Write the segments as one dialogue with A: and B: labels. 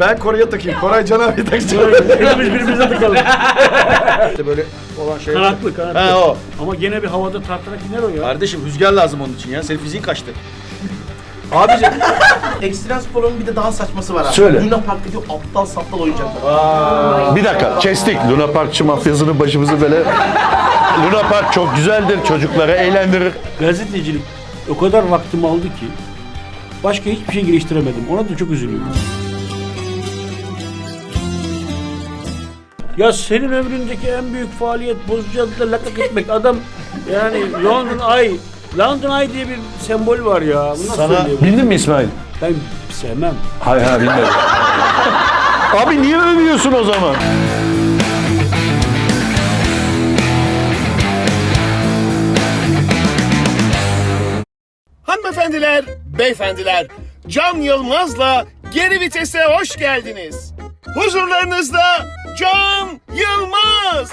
A: Ben Koray'a takayım. Koray Can abi taksın.
B: Hepimiz birbirimize takalım.
A: İşte böyle olan şey.
B: Kanatlı.
A: He o.
B: Ama gene bir havada tartarak iner o ya.
A: Kardeşim rüzgar lazım onun için ya. Senin fiziğin kaçtı.
C: Abicim ekstrem sporun bir de daha saçması var abi.
D: Söyle.
C: Luna Park'taki aptal saptal oyuncaklar.
D: Bir dakika, kestik. Luna Parkçı mafyasının başımızı böyle... Luna Park çok güzeldir, çocuklara eğlendirir.
B: Gazetecilik o kadar vaktimi aldı ki başka hiçbir şey geliştiremedim. Ona da çok üzülüyorum. Ya senin ömründeki en büyük faaliyet bozucularla lakak etmek. Adam yani London Eye diye bir sembol var ya. Bu nasıl söyleyeyim?
D: Bildin mi İsmail?
B: Ben sevmem.
D: Hayır bilmedim. Abi niye övüyorsun o zaman?
E: Hanımefendiler, beyefendiler, Can Yılmaz'la Geri Vites'e hoş geldiniz. Huzurlarınızda Can Yılmaz.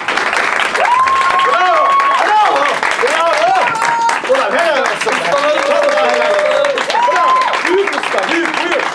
A: Ulan helal olsun. Büyük usta, büyük.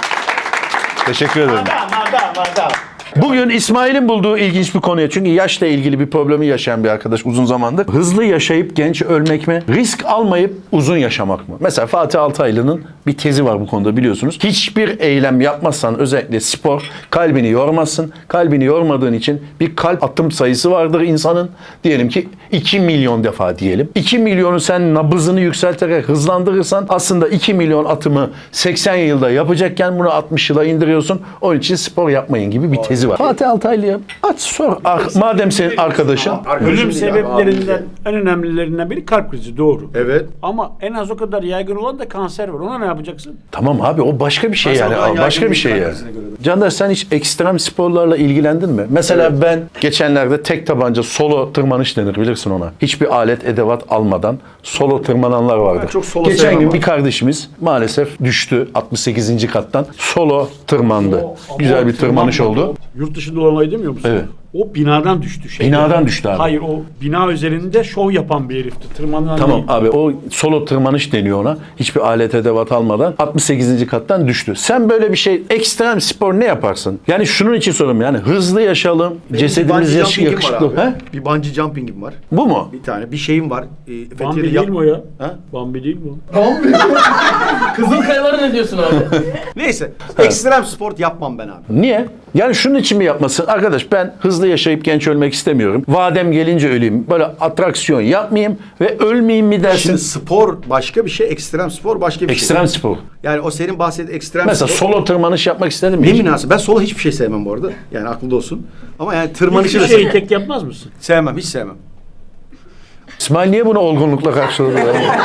D: Teşekkür ederim.
A: Madam.
D: Bugün İsmail'in bulduğu ilginç bir konuya, çünkü yaşla ilgili bir problemi yaşayan bir arkadaş uzun zamandır. Hızlı yaşayıp genç ölmek mi? Risk almayıp uzun yaşamak mı? Mesela Fatih Altaylı'nın bir tezi var bu konuda, biliyorsunuz. Hiçbir eylem yapmazsan, özellikle spor, kalbini yormazsın. Kalbini yormadığın için bir kalp atım sayısı vardır insanın. Diyelim ki 2 milyon defa diyelim. 2 milyonu sen nabızını yükselterek hızlandırırsan aslında 2 milyon atımı 80 yılda yapacakken bunu 60 yıla indiriyorsun. Onun için spor yapmayın gibi bir tezi var. Fatih Altaylı'ya aç sor. Madem senin arkadaşın.
B: Ölüm sebeplerinden en önemlilerinden biri kalp krizi, doğru.
A: Evet.
B: Ama en az o kadar yaygın olan da kanser var. Ona ne yapacaksın?
D: Tamam abi, o başka bir şey yani.
A: olan
D: Başka bir şey
A: yaygın
D: yani.
A: kalp krizine göre.
D: Candaş, sen hiç ekstrem sporlarla ilgilendin mi? Mesela ben geçenlerde tek tabanca solo tırmanış denir, bilirsin ona. Hiçbir alet edevat almadan solo tırmananlar vardır.
A: Ben çok solo
D: Geçen
A: sevmem
D: gün
A: abi.
D: bir kardeşimiz maalesef düştü 68. kattan. Solo tırmandı. Güzel bir tırmanış oldu.
B: Yurt dışında olan olayı demiyor musun?
D: Evet.
B: O binadan düştü.
D: Binadan düştü abi.
B: Hayır, o bina üzerinde şov yapan bir herifti. Tırmanan
D: Tamam
B: değil.
D: abi, o solo tırmanış deniyor ona. Hiçbir alet edevat almadan 68. kattan düştü. Sen böyle bir şey, ekstrem spor ne yaparsın? Yani şunun için soruyorum, yani hızlı yaşayalım, cesedimiz
A: Bungee jumping'im
D: yakışıklı.
A: var abi.
D: He?
A: Bir bungee jumping'im var.
D: Bu mu?
A: Bir tane. Bir şeyim var.
B: Bambi değil mi o ya?
A: Ha?
B: Bambi değil mi o?
C: Kızılkayalara ne diyorsun abi?
A: Neyse. Ekstrem spor yapmam ben abi.
D: Niye? Yani şunun için mi yapmasın? Arkadaş, ben hızlı yaşayıp genç ölmek istemiyorum. Vadem gelince öleyim. Böyle atraksiyon yapmayayım ve ölmeyeyim mi dersin?
A: Şimdi spor başka bir şey, ekstrem spor başka bir
D: Ekstrem
A: şey.
D: spor.
A: Yani o senin bahsettiğin ekstrem
D: Mesela
A: spor.
D: solo tırmanış yapmak istedin mi?
A: Ne
D: hiç?
A: münasebet. Ben solo hiçbir şey sevmem bu arada. Yani aklında olsun. Ama yani tırmanışı
B: Hiçbir
A: da
B: şeyi
A: sevmem.
B: tek yapmaz mısın?
A: Sevmem, hiç sevmem.
D: İsmail niye bunu olgunlukla karşıladı?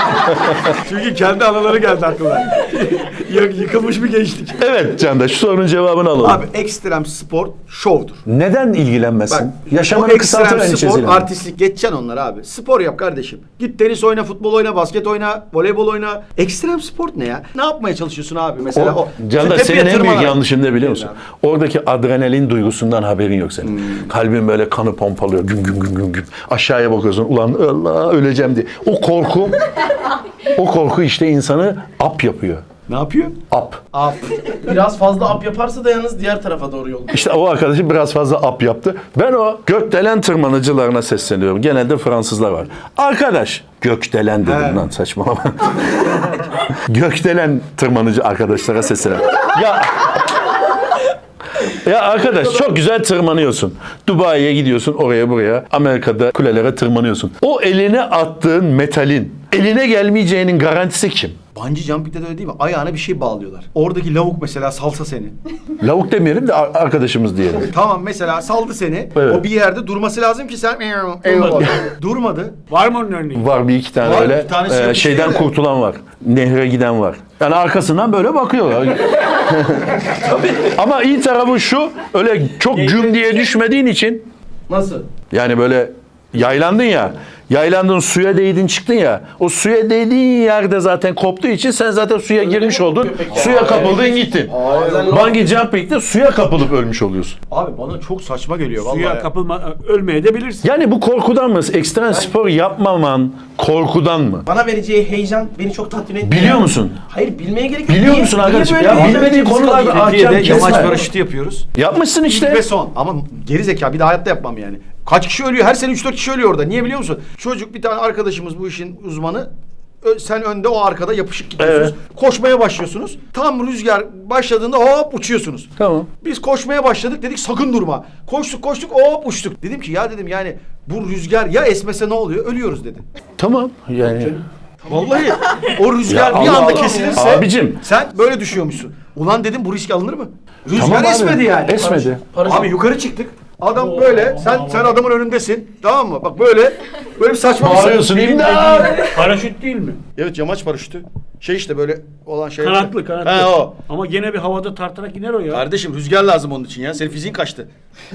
A: Çünkü kendi anıları geldi aklına. Yıkılmış bir gençlik.
D: Evet Candaş, şu sorunun cevabını alalım.
A: Abi ekstrem spor şovdur.
D: Neden ilgilenmezsin?
A: Bak,
D: Yaşamanı
A: o
D: kısaltır
A: ekstrem spor,
D: endişesiyle.
A: artistlik geçeceksin onlar abi. Spor yap kardeşim. Git tenis oyna, futbol oyna, basket oyna, voleybol oyna. Ekstrem spor ne ya? Ne yapmaya çalışıyorsun abi mesela? O,
D: Candaş,
A: tepeye
D: senin en büyük
A: tırmanarak.
D: yanlışın ne biliyor musun? Oradaki adrenalin duygusundan haberin yok senin. Kalbin böyle kanı pompalıyor. Güm güm güm güm güm. Aşağıya bakıyorsun. Ulan Allah, öleceğim diye. O korku işte insanı ap yapıyor.
A: Ne yapıyor?
D: Ap.
C: Biraz fazla ap yaparsa da yalnız diğer tarafa doğru yol.
D: İşte o arkadaşı biraz fazla ap yaptı. Ben o gökdelen tırmanıcılarına sesleniyorum. Genelde Fransızlar var. Arkadaş, gökdelen dedim lan, saçmalama. Gökdelen tırmanıcı arkadaşlara sesleniyorum. Ya arkadaş, çok güzel tırmanıyorsun. Dubai'ye gidiyorsun, oraya buraya. Amerika'da kulelere tırmanıyorsun. O eline attığın metalin eline gelmeyeceğinin garantisi kim?
A: Bungee jumping'de de öyle değil mi? Ayağına bir şey bağlıyorlar. Oradaki lavuk mesela salsa seni.
D: Lavuk demeyelim de arkadaşımız diyelim.
A: Tamam, mesela saldı seni.
D: Evet.
A: O bir yerde durması lazım ki sen durmadı.
B: Var mı onun örneği?
D: Var bir iki tane
A: Var,
D: öyle
A: bir tanesi yapıştı
D: şeyden
A: öyle.
D: kurtulan var. Nehre giden var. Yani arkasından böyle bakıyorlar. Ama iyi tarafı şu, öyle çok güm diye düşmediğin için,
C: Nasıl?
D: yani böyle yaylandın ya, Yaylandın, suya değdin çıktın ya. O suya değdiğin yerde zaten koptuğu için sen zaten suya girmiş oldun. Suya kapıldın gittin. Bungee jumping'de suya kapılıp ölmüş oluyorsun.
A: Abi bana çok saçma geliyor vallahi.
B: Suya kapılma, ölmeye de bilirsin.
D: Yani bu korkudan mı? Ekstrem spor yapmaman korkudan mı?
C: Bana vereceği heyecan beni çok tatmin etti.
D: Biliyor musun?
C: Hayır, bilmeye gerek yok.
D: Biliyor
C: Niye-
D: musun
C: niye
D: arkadaşım?
C: böyle
D: Ya
C: bir-
D: bilmediğin konularda ahkam
A: Türkiye'de yamaç
D: kesme.
A: paraşütü yapıyoruz.
D: Yapmışsın
A: İlk
D: işte.
A: ve son. Ama geri zeka bir daha hayatta yapmam yani. Kaç kişi ölüyor? Her sene 3-4 kişi ölüyor orada. Niye biliyor musun? Çocuk bir tane arkadaşımız bu işin uzmanı. Sen önde, o arkada yapışık gidiyorsunuz.
D: Evet.
A: Koşmaya başlıyorsunuz. Tam rüzgar başladığında hop uçuyorsunuz.
D: Tamam.
A: Biz koşmaya başladık, dedik sakın durma. Koştuk hop uçtuk. Dedim ki ya dedim yani bu rüzgar ya esmese ne oluyor? Ölüyoruz dedi.
D: Tamam. Yani
A: Vallahi o rüzgar
D: Ya
A: bir
D: Allah
A: anda
D: Allah.
A: kesilirse
D: Abicim.
A: sen böyle düşüyormuşsun. Ulan dedim bu risk alınır mı? Rüzgar
D: Tamam abi.
A: esmedi yani.
D: Esmedi.
A: Abi yukarı çıktık. Adam böyle, sen adamın önündesin. Tamam mı? Bak böyle bir saçma
D: Bağırıyorsun, imdat!
B: Paraşüt değil mi?
A: Evet, yamaç paraşütü. Şey işte böyle olan şey.
B: Kanatlı.
A: He o.
B: Ama gene bir havada tartarak iner o ya.
A: Kardeşim rüzgar lazım onun için ya. Senin fiziğin kaçtı.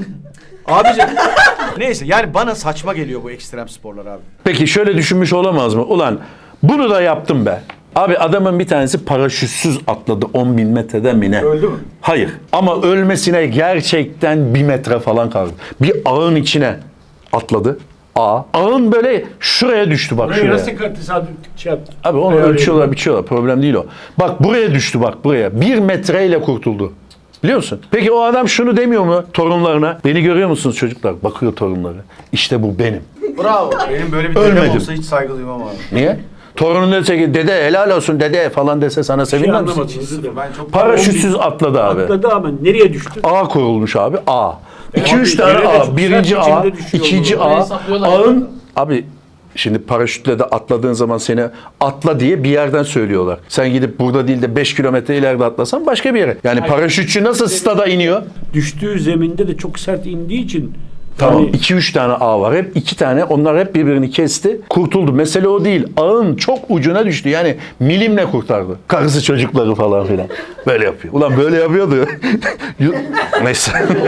A: Abicim. Neyse yani bana saçma geliyor bu ekstrem sporlar abi.
D: Peki şöyle düşünmüş olamaz mı? Ulan bunu da yaptım be. Abi adamın bir tanesi paraşütsüz atladı 10.000 metreden mi ne?
A: Öldü mü?
D: Hayır. Ama ölmesine gerçekten 1 metre falan kaldı. Bir ağın içine atladı. Ağın böyle şuraya düştü bak
B: Buraya
D: şuraya.
B: nasıl tesadüf şey yaptı?
D: Abi onu ölçüyorlar biçiyorlar. Problem değil o. Bak buraya düştü bak buraya. 1 metreyle kurtuldu. Biliyor musun? Peki o adam şunu demiyor mu torunlarına? Beni görüyor musunuz çocuklar? Bakıyor torunları. İşte bu benim.
C: Bravo.
A: Benim böyle bir
D: Ölmedim.
A: dedem olsa hiç saygı duymam abi.
D: Niye? Torunun dese ki dede helal olsun dede falan dese sana sevinmez misin?
B: Anlamadım. özür dilerim.
A: Ben çok
D: Paraşütsüz atladı abi.
B: Atladı ama nereye düştü?
D: A kurulmuş abi. A. 2-3
B: abi,
D: tane
B: yere de
D: A.
B: çok
D: Birinci
B: sert
D: A,
B: biçimde düşüyor
D: ikinci
B: bu.
D: A.
F: Hesaplıyorlar.
D: Ağın abi şimdi paraşütle de atladığın zaman seni atla diye bir yerden söylüyorlar. Sen gidip burada değil de 5 kilometre ileride atlasan başka bir yere. Yani paraşütçü nasıl stada iniyor?
B: Düştüğü zeminde de çok sert indiği için
D: Tamam.
B: hani
D: 2-3 tane ağ var. Hep 2 tane. Onlar hep birbirini kesti. Kurtuldu. Mesele o değil. Ağın çok ucuna düştü. Yani milimle kurtardı. Karısı çocukları falan filan. Böyle yapıyor. Ulan böyle yapıyordu. Neyse.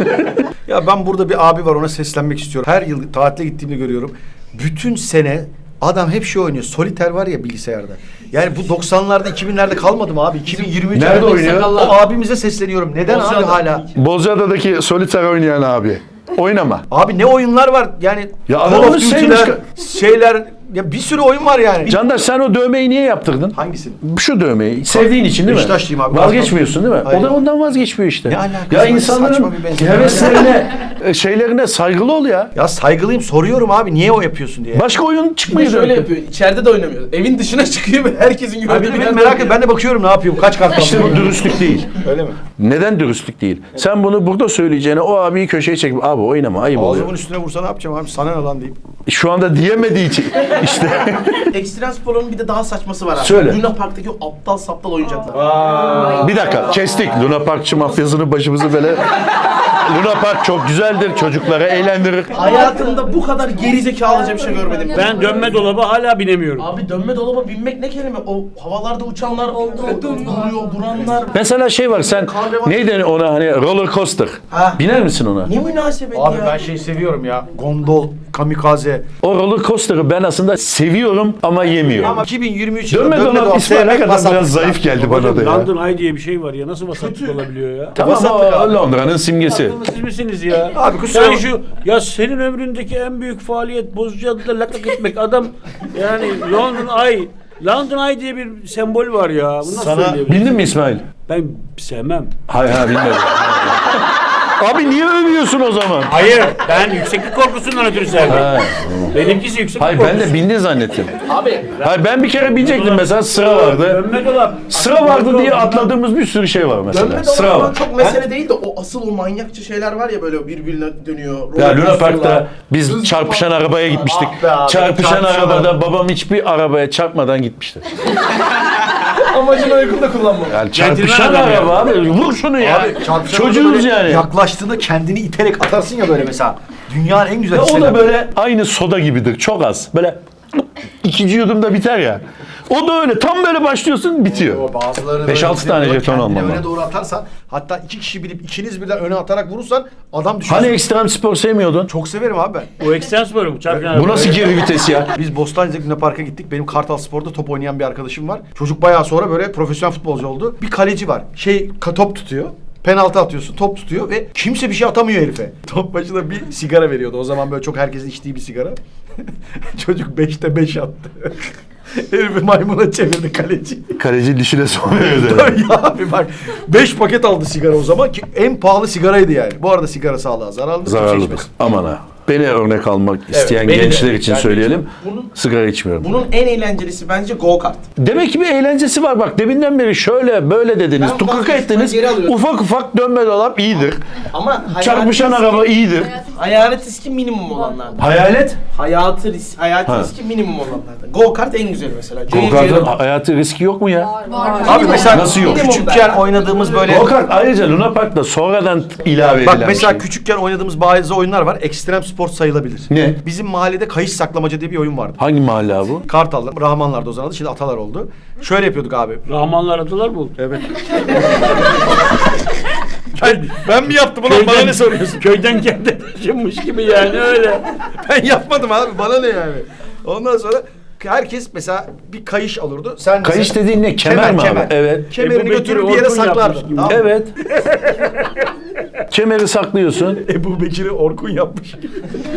A: Ya ben burada bir abi var, ona seslenmek istiyorum. Her yıl tatile gittiğimde görüyorum. Bütün sene adam hep şey oynuyor. Soliter var ya bilgisayarda. Yani bu 90'larda 2000'lerde kalmadı mı abi? 2023
D: Nerede oynuyor?
A: O abimize sesleniyorum. Neden abi hala?
D: Bozcaada'daki soliter oynayan abi. Oynama.
A: Abi ne oyunlar var yani.
D: Ya
A: Call
D: adamın
A: of Duty'ler,
D: sevmiş-
A: şeyler, ya bir sürü oyun var yani.
D: Candaş sen o dövmeyi niye yaptırdın?
A: Hangisini?
D: Şu dövmeyi. Sevdiğin için değil mi?
A: Beşiktaşlıyım abi.
D: Vazgeçmiyorsun değil mi?
A: Hayır.
D: O da ondan vazgeçmiyor işte.
A: Ne alakası
D: Ya
A: var?
D: insanların
A: Saçma bir benzetme.
D: heveslerine, şeylerine saygılı ol ya.
A: Ya saygılıyım, soruyorum abi niye o yapıyorsun diye.
D: Başka oyun
F: Bir de
D: çıkmıyor.
F: şöyle yapıyor. İçeride de oynamıyor. Evin dışına çıkıyor ve herkesin gördüğü
A: Abi
F: bir
A: ben
F: yerde
A: merak et,
F: oynuyor.
A: ben de bakıyorum ne yapıyor, kaç kart
D: İşte bu
A: alıyor.
D: dürüstlük değil.
A: Öyle mi?
D: Neden dürüstlük değil? Sen bunu burada söyleyeceğine o abiyi köşeye çekip abi oynama ayıp oluyor.
A: Ağzımın üstüne vursa ne yapacağım abi, sana ne lan deyip.
D: Şu anda diyemediği için işte.
C: Ekstrem sporun bir de daha saçması var abi.
D: Söyle.
C: Luna Park'taki o aptal saptal oyuncaklar.
D: Bir dakika kestik. Luna Parkçı mafyasını başımızı böyle. Luna Park çok güzeldir. Çocuklara eğlendirir.
C: Hayatımda bu kadar gerizekalıca bir şey görmedim.
B: ben dönme dolaba hala binemiyorum.
C: Abi dönme dolaba binmek ne kelime? O havalarda uçanlar, duruyor, duranlar.
D: Mesela şey var sen neydi ona hani roller coaster.
C: Ha.
D: Biner misin ona?
C: Ne münasebet
A: Abi
C: ya.
A: ben şey seviyorum ya, gondol, kamikaze.
D: O roller coaster'ı ben aslında seviyorum ama yemiyorum.
A: Ama 2023
D: Dönme dolap ismi ne kadar biraz zayıf geldi bana da ya.
B: London Eye diye bir şey var ya. Nasıl vasatlık olabiliyor ya?
D: Tamam
A: Vasatlık
D: o
A: abi.
D: Londra'nın simgesi.
B: Siz misiniz ya?
A: Abi kusura
B: Sen
A: bakma.
B: ya senin ömründeki en büyük faaliyet Bozcaada'da lakak etmek. Adam yani London Eye diye bir sembol var ya. Bu nasıl
A: Sana
B: söyleyebilirim?
D: Bildin mi İsmail?
B: Ben sevmem.
D: Hayır bilmedim. Abi niye övüyorsun o zaman?
B: Hayır, ben yükseklik korkusundan ötürü sevmem.
D: Ha.
B: Benimkisi yükseklik
D: Hayır
B: korkusu.
D: ben de bindin zannettim.
F: Abi
D: Hayır ben bir kere binecektim mesela sıra vardı.
B: Dönme dolap.
D: Sıra vardı diye atladığımız bir sürü şey var
C: Dönme
D: mesela. Sıra
C: dolaptan
D: var.
C: çok mesele değil de o asıl o manyakça şeyler var ya böyle birbirine dönüyor.
D: Ya Luna
C: roller
D: Park'ta
C: coaster'lar.
D: biz
C: Hız
D: çarpışan
C: falan.
D: arabaya gitmiştik.
C: Ah be abi,
D: Çarpışan
C: çarpışan
D: arabada babam hiçbir arabaya çarpmadan gitmişti.
F: amacını uygun kullanmam.
D: Yani çarpışan
B: adam ya.
D: araba abi vur şunu ya.
A: Abi çarpışan
D: Çocuğuz
A: böyle
D: yani.
A: yaklaştığında kendini iterek atarsın ya böyle mesela. Dünyanın en güzel
D: Ve o
A: hisseden.
D: da böyle aynı soda gibidir çok az. Böyle ikinci yudumda biter ya. O da öyle. Tam böyle başlıyorsun bitiyor.
A: Bazıları
D: 5-6 tane jeton
A: kendini
D: almam
A: öne
D: lazım.
A: doğru atarsan, hatta 2 kişi bilip ikiniz birden öne atarak vurursan adam düşer.
D: Hani ekstrem spor sevmiyordun?
A: Çok severim abi ben.
B: O ekstrem sporu mu? Çarpıyan
D: Bu nasıl geri vites ya?
A: Biz Bostancı'da Luna Park'a gittik. Benim Kartal Spor'da top oynayan bir arkadaşım var. Çocuk bayağı sonra böyle profesyonel futbolcu oldu. Bir kaleci var. Top tutuyor. Penaltı atıyorsun, top tutuyor ve kimse bir şey atamıyor herife. Top başına bir sigara veriyordu. O zaman böyle çok herkesin içtiği bir sigara. Çocuk 5'te 5 attı. Herifi maymuna çevirdi kaleci.
D: Kaleci dişine soruyor.
A: Tabii ya abi bak 5 paket aldı sigara o zaman ki en pahalı sigaraydı yani. Bu arada sigara sağlığa zararlı.
D: Zararlıdır. Aman ha. Beni örnek almak isteyen
C: beni de.
D: gençler için
C: Yani
D: söyleyelim.
C: bunun-
D: Sigara içmiyorum.
C: Bunun en eğlencelisi bence go kart.
D: Demek ki bir eğlencesi var. Bak deminden beri şöyle böyle dediniz.
C: Ben
D: Tukaka
C: vazgeçtim,
D: ettiniz.
C: geri alıyorum.
D: Ufak ufak dönme dolap iyidir.
C: Ama
D: Çarpışan araba iyidir.
C: hayalet riski minimum olanlardan.
D: Hayalet.
C: Hayatı
D: Ha.
C: riski minimum olanlardan. Go kart en güzeli mesela.
D: Go-kart'ın hayatı riski yok mu ya?
A: Abi mesela
D: Nasıl yok?
A: küçükken oynadığımız böyle...
D: Go-kart ayrıca Luna Park'ta sonradan ilave edilen
A: Bak mesela
D: bir şey.
A: küçükken oynadığımız bazı oyunlar var. Ekstrem spor sayılabilir.
D: Ne?
A: Bizim mahallede kayış saklamaca diye bir oyun vardı.
D: Hangi mahalle abi bu?
A: Kartal'da, Rahmanlar'da o zaman adı, şimdi Atalar oldu. Şöyle yapıyorduk abi.
B: Rahmanlar atılar mı oldu?
A: Evet. ben mi yaptım ulan bana ne soruyorsun?
B: Köyden kendi taşınmış gibi yani öyle.
A: Ben yapmadım abi bana ne yani. Ondan sonra herkes mesela bir kayış alırdı. Sen
D: Kayış
A: mesela-
D: dediğin ne? Kemer mi abi? Evet.
A: Kemerini
B: Ebu Bekir
A: götürüp bir yere
B: Orkun yapmış
A: saklardın.
B: gibi.
A: Tamam.
D: Evet. Kemeri saklıyorsun.
A: Ebu Bekir'i Orkun yapmış gibi.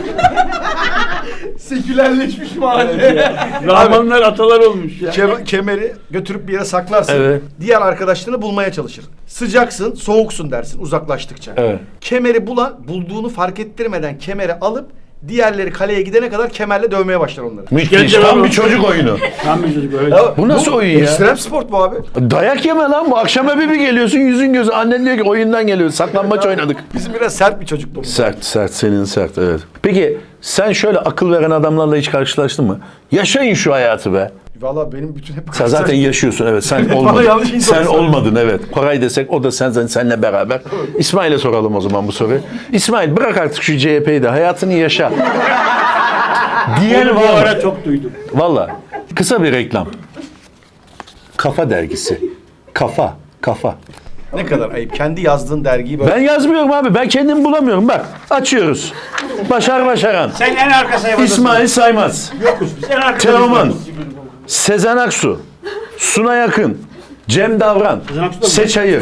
C: Sekülerleşmiş mahalle.
B: Rahmanlar atalar olmuş ya.
A: Kemeri götürüp bir yere saklarsın.
D: Evet.
A: Diğer arkadaşlarını bulmaya çalışır. Sıcaksın, soğuksun dersin uzaklaştıkça.
D: Evet.
A: Kemeri bulduğunu fark ettirmeden kemeri alıp diğerleri kaleye gidene kadar kemerle dövmeye başlar onları.
D: Müthiş.
B: Gence
D: Tam
B: var
D: bir
B: o.
D: çocuk oyunu.
B: Tam bir çocuk öyle.
D: Bu nasıl oyun ya?
A: Ekstrem sport bu abi.
D: Dayak yeme lan bu. Akşam eve bir geliyorsun yüzün gözü. Annen diyor ki oyundan geliyoruz. Saklambaç oynadık.
A: Bizim biraz sert bir çocukluğumuz.
D: Sert. Senin sert evet. Peki sen şöyle akıl veren adamlarla hiç karşılaştın mı? Yaşayın şu hayatı be.
A: Valla benim bütün hep...
D: Sen zaten yaşıyorsun evet. Sen
A: Bana
D: olmadın.
A: yanlış insan
D: Sen
A: söyledi.
D: olmadın evet. Koray desek o da seninle beraber. İsmail'e soralım o zaman bu soruyu. İsmail bırak artık şu CHP'yi de hayatını yaşa. Diyen
B: Onu bu
D: var mı?
B: ara çok duydum.
D: Valla. Kısa bir reklam. Kafa dergisi. Kafa.
A: Ne kadar ayıp. Kendi yazdığın dergiyi böyle...
D: Ben yazmıyorum abi. Ben kendimi bulamıyorum. Bak açıyoruz. Başar Başaran.
B: Sen en arka sayfadasın.
D: İsmail Saymaz.
B: Yokuz biz en arka
D: Teoman.
B: sayfadasın.
D: Sezen Aksu. Sunay Akın. Cem Davran.
B: Sezen Aksu da mı?
D: Seç Ayır.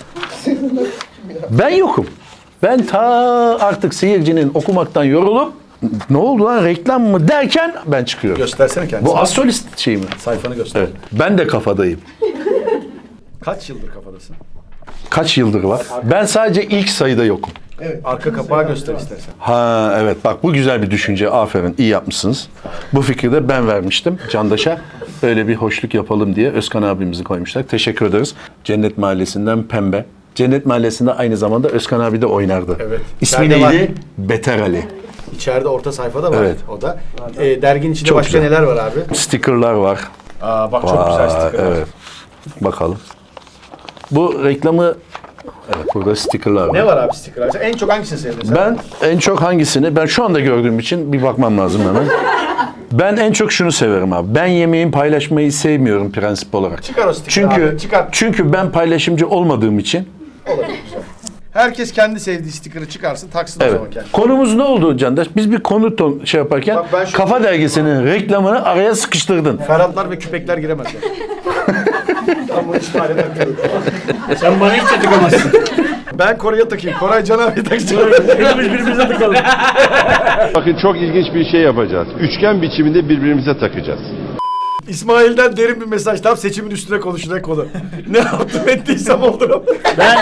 D: Ben yokum. Ben ta artık seyircinin okumaktan yorulup ne oldu lan reklam mı derken ben çıkıyorum.
A: Göstersene kendini.
D: Bu astrolist şey mi?
A: Sayfanı göster.
D: Evet. Ben de kafadayım.
A: Kaç yıldır kafadasın?
D: Kaç yıldır var? Ben sadece ilk sayıda yokum.
A: Arka kapağı göster istersen.
D: Ha evet bak bu güzel bir düşünce. Aferin iyi yapmışsınız. Bu fikri de ben vermiştim Candaş'a. Öyle bir hoşluk yapalım diye Özkan abimizi koymuşlar. Teşekkür ederiz. Cennet Mahallesi'nden Pembe. Cennet Mahallesi'nde aynı zamanda Özkan abi de oynardı.
A: Evet.
D: İsmi
A: İçeride
D: neydi?
A: var.
D: Beter Ali.
A: İçeride orta sayfada var
D: Evet.
A: o da. Derginin içinde
D: Çok
A: başka
D: güzel.
A: neler var abi?
D: Stickerlar var.
A: Aa bak çok güzel sticker.
D: Evet. Bakalım. Bu reklamı evet burada stickerlar var.
A: Ne var abi stickerlar? Sen en çok hangisini sevdin sen?
D: Ben en çok hangisini ben şu anda gördüğüm için bir bakmam lazım hemen. Ben en çok şunu severim abi. Ben yemeğin paylaşmayı sevmiyorum prensip olarak.
A: Çıkar o sticker'ı
D: Çünkü
A: abi, çıkar.
D: çünkü ben paylaşımcı olmadığım için.
A: Herkes kendi sevdiği sticker'ı çıkarsın taksın o
D: Evet.
A: zaman kendi.
D: Konumuz ne oldu Candaş? Biz bir konu şey yaparken
A: Bak ben şu-
D: Kafa Dergisi'nin reklamını araya sıkıştırdın.
A: Ferhatlar ve küpekler giremez yani. Ben bunu İsmail'e takıyorum.
B: Sen bana hiç tıkamazsın.
A: Ben Koray'a takayım. Koray Can abi taksın.
B: Hepimiz birbirimize tıkalım.
G: Bakın çok ilginç bir şey yapacağız. Üçgen biçiminde birbirimize takacağız.
A: İsmail'den derin bir mesaj. Tam seçimin üstüne konuşacak konu. Ne yaptım ettiysem oldu.
B: Ben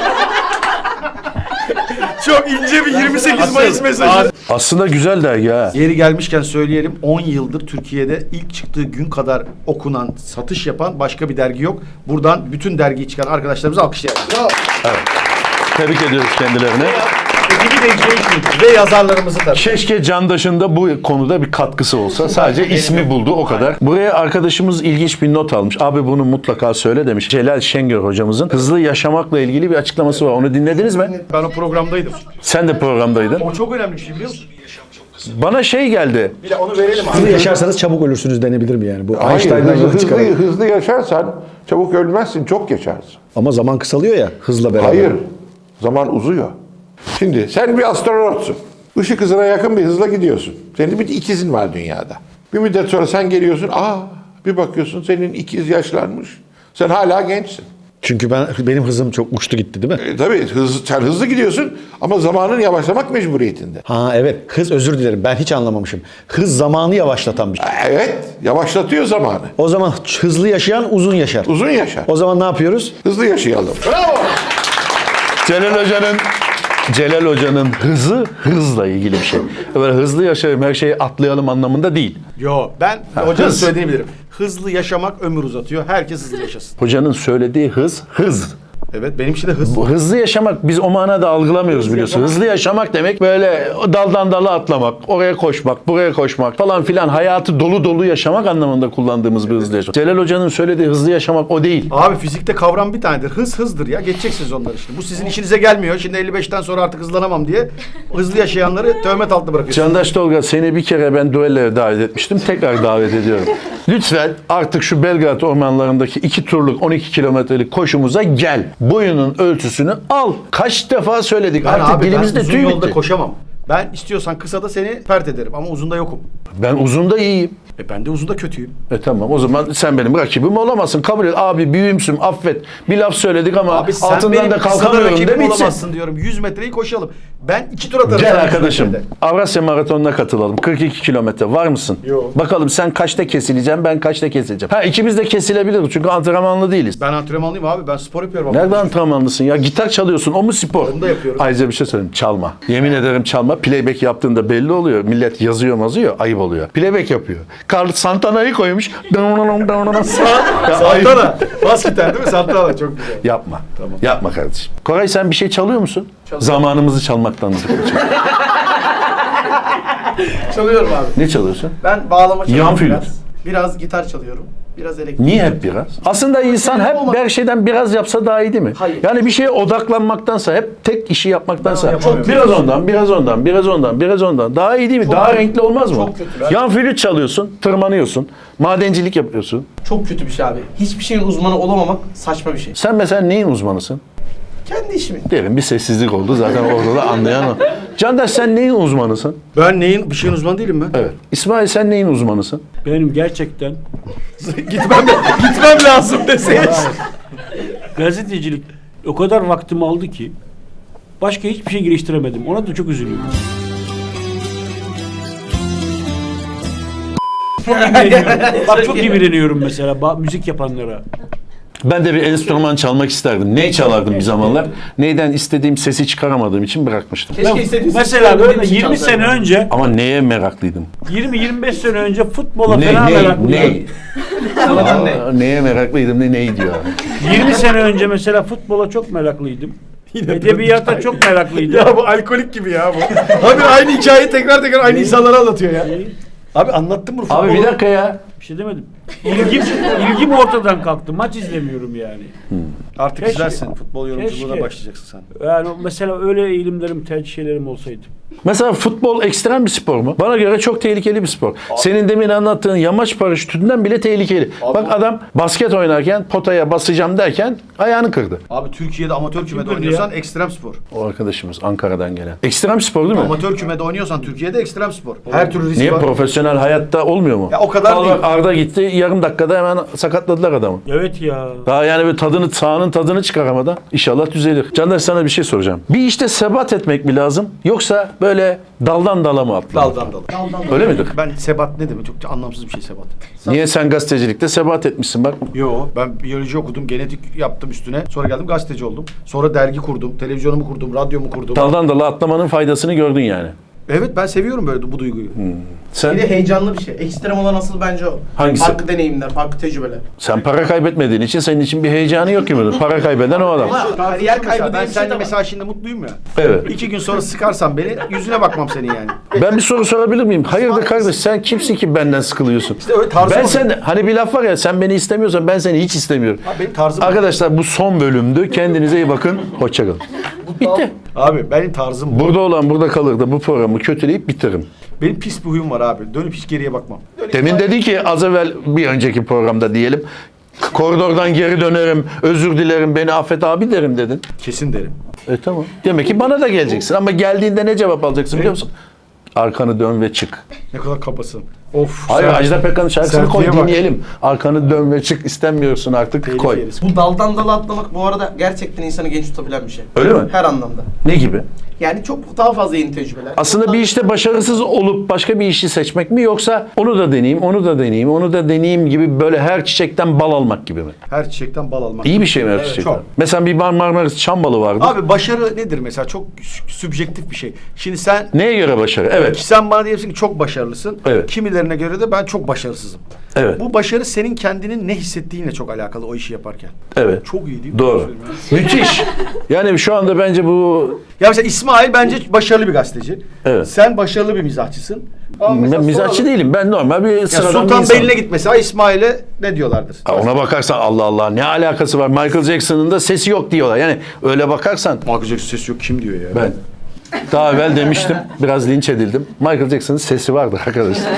A: Çok ince bir 28 Mayıs mesajı.
D: Aslında güzel dergi ha.
A: Yeri gelmişken söyleyelim 10 yıldır Türkiye'de ilk çıktığı gün kadar okunan, satış yapan başka bir dergi yok. Buradan bütün dergiyi çıkan arkadaşlarımızı alkışlayalım.
D: Tebrik ediyoruz kendilerine.
A: Ekibi de icra ve yazarlarımızı tabii.
D: Keşke Candaş'ın da bu konuda bir katkısı olsa. Sadece ismi buldu o kadar. Buraya arkadaşımız ilginç bir not almış. Abi bunu mutlaka söyle demiş. Celal Şengör hocamızın hızlı yaşamakla ilgili bir açıklaması var. Onu dinlediniz mi?
A: Ben o programdaydım.
D: Sen de programdaydın.
A: O çok önemli bir şey biliyor musun?
D: Bana şey geldi.
A: Bir de onu verelim abi.
H: Hızlı yaşarsanız çabuk ölürsünüz denebilir mi yani? Bu
I: Hayır,
H: Einstein'dan yola
I: hızlı,
H: çıkarak.
I: hızlı yaşarsan çabuk ölmezsin, çok yaşarsın.
H: Ama zaman kısalıyor ya hızla beraber.
I: Hayır, zaman uzuyor. Şimdi sen bir astronotsun. Işık hızına yakın bir hızla gidiyorsun. Senin bir ikizin var dünyada. Bir müddet sonra sen geliyorsun, bir bakıyorsun senin ikiz yaşlanmış. Sen hala gençsin.
H: Çünkü benim hızım çok uçtu gitti değil mi?
I: Tabii sen hızlı gidiyorsun ama zamanın yavaşlamak mecburiyetinde.
H: Ha evet, hız, özür dilerim, ben hiç anlamamışım. Hız zamanı yavaşlatan bir şey.
I: Evet, yavaşlatıyor zamanı.
H: O zaman hızlı yaşayan uzun yaşar.
I: Uzun yaşar.
H: O zaman ne yapıyoruz?
I: Hızlı yaşayalım. Bravo!
D: Celal Hoca'nın hızı hızla ilgili bir şey. Böyle hızlı yaşayalım, her şeyi atlayalım anlamında değil.
A: Yo, ben hocanın
D: hız.
A: söylediğini bilirim. Hızlı yaşamak ömür uzatıyor. Herkes hızlı yaşasın.
D: Hocanın söylediği hız.
A: Evet, benim için de hız.
D: Bu hızlı yaşamak biz o manada algılamıyoruz biliyorsun. Hızlı yaşamak demek böyle daldan dala atlamak, oraya koşmak, buraya koşmak falan filan, hayatı dolu dolu yaşamak anlamında kullandığımız bir hızlı yaşamak. Celal Hoca'nın söylediği hızlı yaşamak o değil.
A: Abi fizikte kavram bir tanedir. Hız hızdır ya. Geçeceksiniz onları işte. Bu sizin işinize gelmiyor. Şimdi 55'ten sonra artık hızlanamam diye hızlı yaşayanları töhmet altında bırakıyorsunuz.
D: Candaş Tolga, seni bir kere ben düelloya davet etmiştim. Tekrar davet ediyorum. Lütfen artık şu Belgrad ormanlarındaki 2 turluk 12 kilometrelik koşumuza gel. Boyunun ölçüsünü al. Kaç defa söyledik.
A: Ben
D: Artık
A: abi
D: dilimizde
A: uzun
D: tüy
A: yolda
D: bitti.
A: koşamam. Ben istiyorsan kısa da seni pert ederim ama uzunda yokum.
D: Ben uzunda iyiyim.
A: Ben de uzunda kötüyüm.
D: Tamam, o zaman sen benim rakibim olamazsın. Kabul et. Abi büyüğümsün, affet. Bir laf söyledik ama
A: Abi sen
D: altından
A: benim
D: da
A: kısa da
D: kalkamıyorum
A: rakibim
D: demişsin.
A: olamazsın diyorum. 100 metreyi koşalım. Ben 2 tur atarım.
D: Gel
A: sana 100
D: arkadaşım.
A: metrede.
D: Avrasya Maratonu'na katılalım. 42 kilometre. Var mısın?
A: Yok.
D: Bakalım sen kaçta kesileceğim, ben kaçta kesileceğim. İkimiz de kesilebiliriz çünkü antrenmanlı değiliz.
A: Ben antrenmanlıyım abi. Ben spor yapıyorum.
D: Nerede antrenmanlısın ya? Gitar çalıyorsun. O mu spor?
A: Onu da yapıyorum.
D: Ayrıca bir şey söyleyeyim. Çalma. Yemin ederim çalma. Playback yaptığında belli oluyor. Millet yazıyor, ayıp oluyor. Playback yapıyor. Carlos Santana'yı koymuş.
A: Santana. Bas gitar değil mi? Santana çok güzel.
D: Yapma. Yapma kardeşim. Koray, sen bir şey çalıyor musun? Zamanımızı çalmaktan.
C: Çalıyorum abi.
D: Ne çalıyorsun?
C: Ben bağlama çalıyorum
D: Yan flüt.
C: biraz. Biraz gitar çalıyorum. Biraz elektrik.
D: Niye hep biraz? Aslında insan hep her şeyden biraz yapsa daha iyi değil mi?
C: Hayır.
D: Yani bir şeye odaklanmaktansa, hep tek işi yapmaktansa
A: yapamıyorum.
D: biraz ondan, biraz ondan, biraz ondan, biraz ondan. Daha iyi değil mi? Daha renkli olmaz mı?
C: Çok kötü.
D: Yan flüt çalıyorsun, tırmanıyorsun, madencilik yapıyorsun.
C: Çok kötü bir şey abi. Hiçbir şeyin uzmanı olamamak saçma bir şey.
D: Sen mesela neyin uzmanısın?
C: Kendi işimin.
D: Derin bir sessizlik oldu zaten orada da anlayan o. Candaş, sen neyin uzmanısın?
A: Ben bir şeyin uzmanı değilim ben.
D: Evet. İsmail, sen neyin uzmanısın?
B: Benim gerçekten
A: Gitmem lazım deseydi.
B: gazetecilik o kadar vaktimi aldı ki başka hiçbir şey geliştiremedim. Ona da çok üzülüyorum. Çok imreniyorum. Bak çok imreniyorum mesela müzik yapanlara.
D: Ben de bir enstrüman çalmak isterdim. Ney çalardım bir zamanlar. Neyden istediğim sesi çıkaramadığım için bırakmıştım.
C: Keşke istediğiniz
B: Mesela böyle 20 sene önce
D: Ama neye meraklıydım?
B: 20-25 sene önce futbola fena meraklıydım.
C: Sonradan ne?
D: Neye meraklıydım ne diyor.
B: 20 sene önce mesela futbola çok meraklıydım. Edebiyata çok meraklıydım.
A: Ya bu alkolik gibi ya bu. Abi aynı hikayeyi tekrar aynı insanlara anlatıyor ya. Abi anlattın mı?
D: Abi bir dakika ya.
B: Bir şey demedim. İlgim ortadan kalktı. Maç izlemiyorum yani.
A: Artık
B: Keşke.
A: güzelsin. Futbol yorumculuğuna
B: Keşke.
A: başlayacaksın sen.
B: Yani mesela öyle eğilimlerim, tercih şeylerim olsaydı.
D: Mesela futbol ekstrem bir spor mu? Bana göre çok tehlikeli bir spor. Senin demin anlattığın yamaç paraşütünden bile tehlikeli. Bak adam basket oynarken potaya basacağım derken ayağını kırdı.
A: Abi Türkiye'de amatör kümede
B: kırdı
A: oynuyorsan
B: ya?
A: ekstrem spor.
D: O arkadaşımız Ankara'dan gelen. Ekstrem spor değil mi?
A: Amatör kümede oynuyorsan Türkiye'de ekstrem spor. Her türlü risk
D: Niye
A: var.
D: profesyonel hayatta olmuyor mu?
A: Ya o kadar
D: Al
A: değil.
D: bak, Arda gitti yarım dakikada hemen sakatladılar adamı.
B: Evet ya.
D: Daha yani bir sahanın tadını çıkaramadan inşallah düzelir. Candaş, sana bir şey soracağım. Bir işte sebat etmek mi lazım yoksa böyle daldan dala mı atlamak?
A: Daldan dala.
D: Öyle midir?
A: Ben sebat ne demek? Çok anlamsız bir şey sebat.
D: Niye sen gazetecilikte sebat etmişsin bak.
A: Yo, ben biyoloji okudum, genetik yaptım üstüne. Sonra geldim gazeteci oldum. Sonra dergi kurdum, televizyonumu kurdum, radyomu kurdum.
D: Daldan dala atlamanın faydasını gördün yani.
A: Evet, ben seviyorum böyle bu duyguyu.
D: Sen,
C: Bir de heyecanlı bir şey. Ekstrem olan asıl bence o.
D: Hangisi?
C: Farklı deneyimler, farklı tecrübeler.
D: sen para kaybetmediğin için senin için bir heyecanı yok gibi. Para kaybeden o adam.
C: Ama kariyer kaybı
A: Ben
C: diye bir şey
A: seninle
C: de var.
A: mesela şimdi mutluyum ya.
D: Evet.
A: 2 gün sonra sıkarsan beni yüzüne bakmam senin yani.
D: Ben bir soru sorabilir miyim? Hayırdır kardeş, sen kimsin ki benden sıkılıyorsun?
A: İşte öyle tarzım
D: Ben
A: o.
D: sen, hani bir laf var ya, sen beni istemiyorsan ben seni hiç istemiyorum.
A: Abi benim tarzım
D: Arkadaşlar bu son bölümdü. Kendinize iyi bakın. Hoşçakalın. Bitti.
A: Abi benim tarzım bu.
D: Burada olan burada kalır da bu programı kötüleyip bitiririm.
A: Benim pis bir huyum var abi. Dönüp hiç geriye bakmam.
D: Demin dedi ki az evvel bir önceki programda diyelim. Koridordan geri dönerim, özür dilerim, beni affet abi derim dedin.
A: Kesin derim.
D: Tamam. Demek ki bana da geleceksin ama geldiğinde ne cevap alacaksın biliyor musun? Arkanı dön ve çık.
A: Ne kadar kabasın. Of.
D: Hayır, Ajda Pekkan'ın şarkısını koy
A: Sertliğe bak.
D: dinleyelim. Arkanı dön ve çık, istemiyorsun artık,
A: Telif
D: koy.
A: yeriz.
C: Bu daldan dala atlamak bu arada gerçekten insanı genç tutabilen bir şey.
D: Öyle mi?
C: Her anlamda.
D: Ne gibi?
C: Yani çok daha fazla yeni tecrübeler.
D: Aslında bir işte başarısız olup başka bir işi seçmek mi, yoksa onu da deneyeyim, onu da deneyeyim, onu da deneyeyim gibi böyle her çiçekten bal almak gibi mi?
A: Her çiçekten bal almak.
D: İyi bir şey mi her çiçekten?
A: çok.
D: Mesela bir Marmaris çam balı vardı.
A: Abi başarı nedir mesela? Çok sübjektif bir şey. Şimdi sen
D: Neye göre başarı? Evet.
A: sen bana diyorsun ki çok başarılısın.
D: Evet.
A: Kimilerine göre de ben çok başarısızım.
D: Evet.
A: Bu başarı senin kendinin ne hissettiğinle çok alakalı o işi yaparken.
D: Evet.
A: Çok iyi değil mi?
D: Doğru. Müthiş. Yani şu anda bence bu
A: Ya mesela İsmail bence başarılı bir gazeteci.
D: Evet.
A: Sen başarılı bir mizahçısın. Ama mesela
D: ben mizahçı
A: soralım.
D: değilim. Ben normal bir
A: Ya
D: sıradan bir
A: Sultan
D: insanım.
A: Beyli'ne git mesela İsmail'e ne diyorlardır?
D: Ha, ona bakarsan Allah Allah ne alakası var? Michael Jackson'ın da sesi yok diyorlar. Yani öyle bakarsan
A: Michael Jackson sesi yok kim diyor ya?
D: ben daha evvel demiştim. Biraz linç edildim. Michael Jackson'ın sesi vardır arkadaşlar.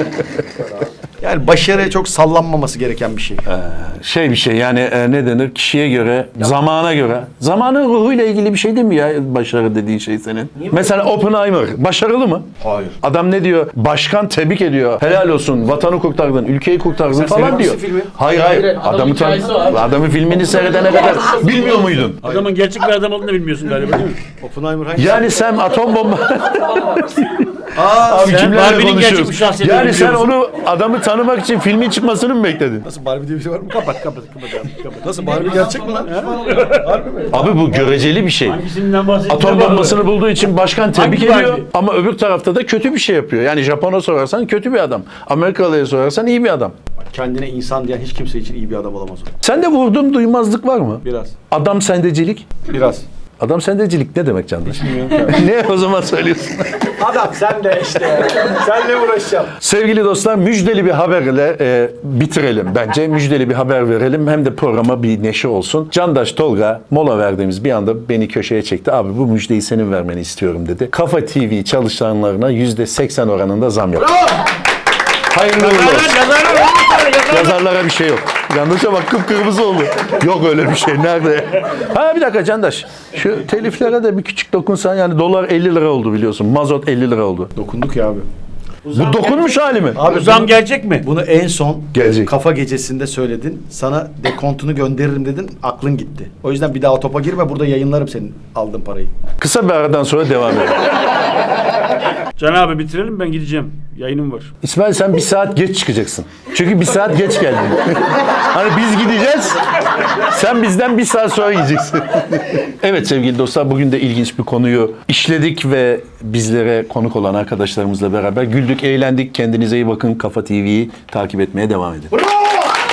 A: Yani başarıya çok sallanmaması gereken bir şey.
D: Şey bir şey yani ne denir? Kişiye göre, zamana göre. Zamanın ruhuyla ilgili bir şey değil mi ya başarı dediğin şey senin? Mesela Oppenheimer başarılı mı?
A: Hayır.
D: Adam ne diyor? Başkan tebrik ediyor. Helal olsun. Vatanı kurtardın, ülkeyi kurtardın falan diyor.
A: seyretmişsin filmi.
D: Hayır. Adamın filmini seyredene kadar bilmiyor muydun?
B: Adamın gerçek bir adam olduğunu da bilmiyorsun galiba değil mi?
A: Oppenheimer hangisi?
D: Yani sen atom bomba...
A: Aa,
D: Abi
A: sen
D: kimlerle
B: Barbie'nin gerçek
D: konuşuyoruz?
B: bir şahsiyetini
D: Yani sen
B: biliyor musun?
D: onu adamı tanımak için filmin çıkmasını mı bekledin?
A: Nasıl Barbie diye bir şey var mı? Kapat abi, kapat. Nasıl Barbie gerçek mi lan? Harbi mi?
D: Abi bu göreceli bir şey.
B: Hangisinden bahsediyorsun?
D: Atom bombasını bulduğu için başkan tebrik
B: Hangi
D: ediyor
B: Barbie?
D: ama öbür tarafta da kötü bir şey yapıyor. Yani Japon'a sorarsan kötü bir adam. Amerikalı'ya sorarsan iyi bir adam.
A: Kendine insan diyen hiç kimse için iyi bir adam olamaz o.
D: Sende vurdum duymazlık var mı?
A: Biraz.
D: Adam sendecilik.
A: Biraz.
D: Adam sendecilik ne demek Candaş? Ne o zaman söylüyorsun?
A: Adam sen de işte. Senle uğraşacağım.
D: Sevgili dostlar, müjdeli bir haberle bitirelim bence. Müjdeli bir haber verelim. Hem de programa bir neşe olsun. Candaş Tolga mola verdiğimiz bir anda beni köşeye çekti. Abi bu müjdeyi senin vermeni istiyorum dedi. Kafa TV çalışanlarına %80 oranında zam yaptı. Hayırlı uğurlu olsun. Yazarlara bir şey yok. Candaş'a bak kıpkırmızı oldu. Yok öyle bir şey. Nerede? Ha bir dakika Candaş. Şu teliflere de bir küçük dokunsan, yani dolar 50 lira oldu biliyorsun. Mazot 50 lira oldu.
A: Dokunduk ya abi.
D: Bu dokunmuş hali mi?
A: Abi
B: Bu zam gerçek mi?
A: Bunu en son
D: Gelecek.
A: kafa gecesinde söyledin. Sana dekontunu gönderirim dedin. Aklın gitti. O yüzden bir daha o topa girme. Burada yayınlarım senin aldığın parayı.
D: Kısa bir aradan sonra devam edelim.
B: Can abi bitirelim, ben gideceğim. Yayınım var.
D: İsmail sen bir saat geç çıkacaksın. Çünkü bir saat geç geldin. Hani biz gideceğiz, sen bizden bir saat sonra yiyeceksin. Evet sevgili dostlar, bugün de ilginç bir konuyu işledik ve bizlere konuk olan arkadaşlarımızla beraber güldük, eğlendik. Kendinize iyi bakın. Kafa TV'yi takip etmeye devam edin.
A: Bravo!